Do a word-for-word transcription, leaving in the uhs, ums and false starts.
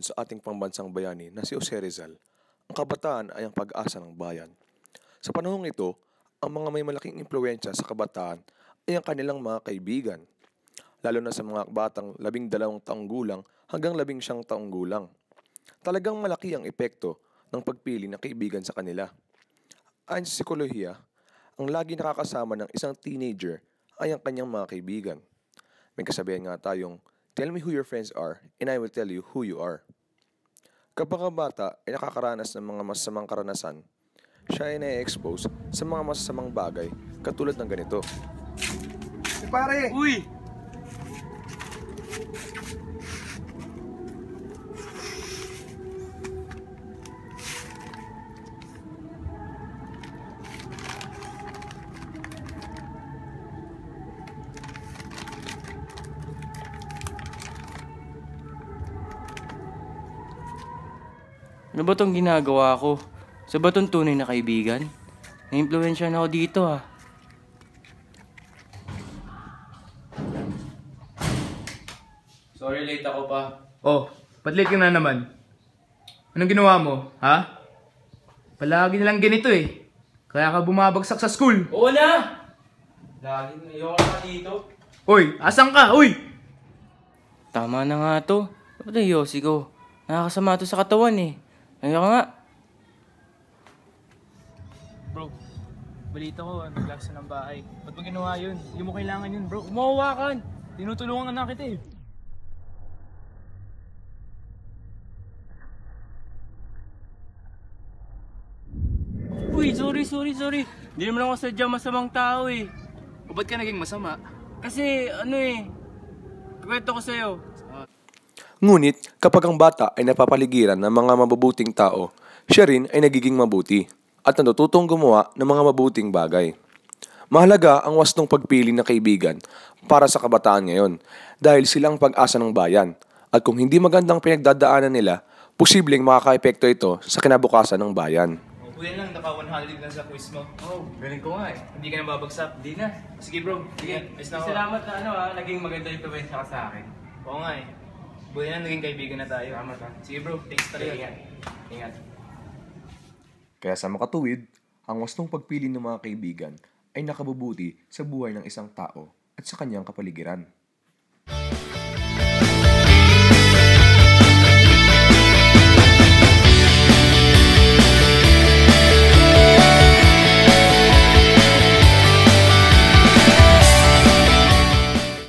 Ayon sa ating pambansang bayani na si Jose Rizal, ang kabataan ay ang pag-asa ng bayan. Sa panahong ito, ang mga may malaking impluwensya sa kabataan ay ang kanilang mga kaibigan, lalo na sa mga batang labing dalawang taong gulang hanggang labing siyang taong gulang. Talagang malaki ang epekto ng pagpili ng kaibigan sa kanila. Ayon sa psikolohiya, ang lagi nakakasama ng isang teenager ay ang kanyang mga kaibigan. May kasabihan nga tayong, "Tell me who your friends are, and I will tell you who you are." Kapag ang bata ay nakakaranas ng mga masasamang karanasan, siya ay na-expose sa mga masasamang bagay katulad ng ganito. Eh, pare! Uy! Ano ba tong ginagawa ko? Sa ba tong tunay na kaibigan? Na-impluwensya na ako dito ah. Sorry, late ako pa. Oh, ba't late ka na naman? Anong ginawa mo, ha? Palagi na lang ganito eh. Kaya ka bumabagsak sa school. Oo na! Lagi na ayoko na dito. Uy, asan ka? Uy! Tama na nga to. Ba't ang yosi ko? Nakakasama to sa katawan eh. Ayoko nga. Bro, balita ko, naglaksa ng bahay. Ba't mo ginawa yun? Hindi mo kailangan yun, bro. Umawakan! Tinutulungan na kita eh. Uy, sorry, sorry, sorry. Hindi naman ako sadyang masamang tao eh. O ba't ka naging masama? Kasi ano eh, kwento ko sa'yo. Ngunit kapag ang bata ay napapaligiran ng mga mabubuting tao, siya rin ay nagiging mabuti at natututong gumawa ng mga mabuting bagay. Mahalaga ang wastong pagpili ng kaibigan para sa kabataan ngayon dahil sila ang pag-asa ng bayan at kung hindi magandang pinagdadaanan nila, posibleng makaka-epekto ito sa kinabukasan ng bayan. Kuya lang, naka one hundred lang sa quiz mo. Oh, galing ko nga eh. Hindi ka na babagsak. Hindi na. Sige bro, sige. Ayos na ako. Salamat na ano ah, naging maganda yung pabensya ka sa akin. Oo nga eh. Buti na naging kaibigan na tayo. Salamat ah. Sige bro, thanks talaga. Ingat. Ingat. Kaya sa makatuwid, ang wastong pagpili ng mga kaibigan ay nakabubuti sa buhay ng isang tao at sa kanyang kapaligiran.